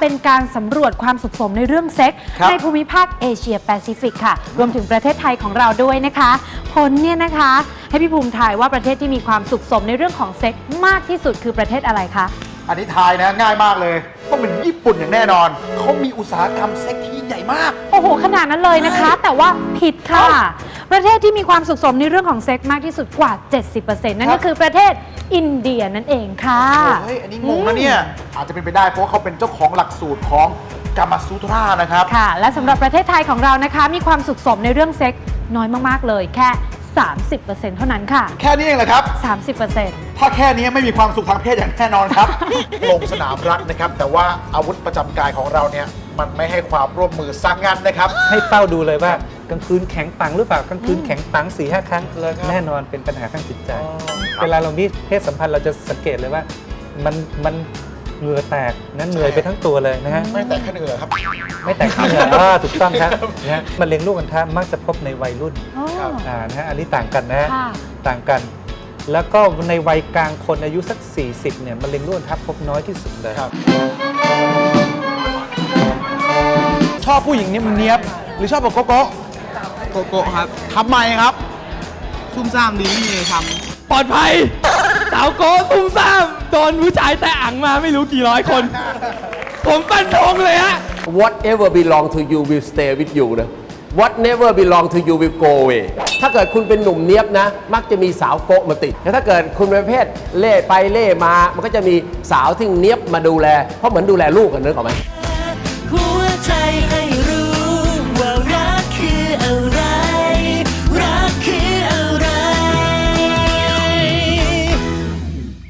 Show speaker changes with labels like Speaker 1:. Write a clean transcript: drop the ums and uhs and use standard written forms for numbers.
Speaker 1: เป็นการสำรวจความสุขสมในเรื่องเซ็กส์ในภูมิภาคเอเชียแปซิฟิกค่ะรวมถึงประเทศไทยของเราด้วยนะคะผลเนี่ยนะคะให้พี่ภูมิทายว่าประเทศที่มีความสุขสมในเรื่องของเซ็กส์มากที่สุดคือประเทศอะไรคะ
Speaker 2: อันนี้ทายนะง่ายมากเลยต้องเป็นญี่ปุ่นอย่างแน่นอนเขามีอุตสาหกรรมเซ็กที่ยิ่งใหญ่มาก
Speaker 1: โอ้โหขนาดนั้นเลยนะคะแต่ว่าผิดค่ะประเทศที่มีความสุขสมในเรื่องของเซ็กส์มากที่สุดกว่า 70% นั่นก็คือประเทศอินเดียนั่นเองค่ะ
Speaker 2: เฮ้ยอันนี้งงนะเนี่ยอาจจะเป็นไปได้เพราะเขาเป็นเจ้าของหลักสูตรของกามาซูตรานะครับ
Speaker 1: ค่ะและสำหรับประเทศไทยของเรานะคะมีความสุขสมในเรื่องเซ็กส์น้อยมากๆเลยแค่ 30% เท่านั้นค่ะ
Speaker 2: แค่นี้เองเหรอครับ
Speaker 1: 30%
Speaker 2: ถ้าแค่นี้ไม่มีความสุขทางเพศอย่างแน่นอนครับ ลงสนามรักนะครับแต่ว่าอาวุธประจำกายของเราเนี่ยมันไม่ให้ความร่วมมือสร้างงานนะครับ
Speaker 3: ให้เป้าดูเลยว่ากลางคืนแข็งปังหรือเปล่ากลางคืนแข็งปัง 4-5 ครั้งแน่นอนเป็นปัญหาทางจิตใจเวลาเรามีเพศสัมพันธ์เราจะสังเกตเลยว่ามันเหงื่อแตกนั้นเหนื่อยไปทั้งตัวเลยนะฮะ
Speaker 2: ไม่แตกแค่เหงื่อครับ
Speaker 3: ไม่แตกแค่เหงื่อถูกต้องครับนะฮะมะเร็งลูกอัณฑะมักจะพบในวัยรุ่นนะฮะอันนี้ต่างกันนะฮะต่างกันแล้วก็ในวัยกลางคนอายุสัก 40เนี่ยมะเร็งลูกอัณฑะพบน้อยที่สุดเลย
Speaker 2: ชอบผู้หญิงเนียบหรือชอบแบบโกโก้
Speaker 4: โกโก้ครับ
Speaker 2: ทำไมครับ
Speaker 4: ซุ่มซ่ามดีไม่มีอะไรท
Speaker 5: ปลอดภัยสาวโก้ตุ้มซ่ามโดนผู้ชายแต่อังมาไม่รู้กี่ร้อยคน ผมฟันธงเลยฮะ
Speaker 6: Whatever belong to you will stay with you นะ What never belong to you will go away ถ้าเกิดคุณเป็นหนุ่มเนียบนะมักจะมีสาวโก๊ะมาติดแต่ถ้าเกิดคุณเป็นประเภทเล่ไปเล่มามันก็จะมีสาวที่เนียบมาดูแลเพราะเหมือนดูแลลูกกันนึกออกไหมหัวใจให้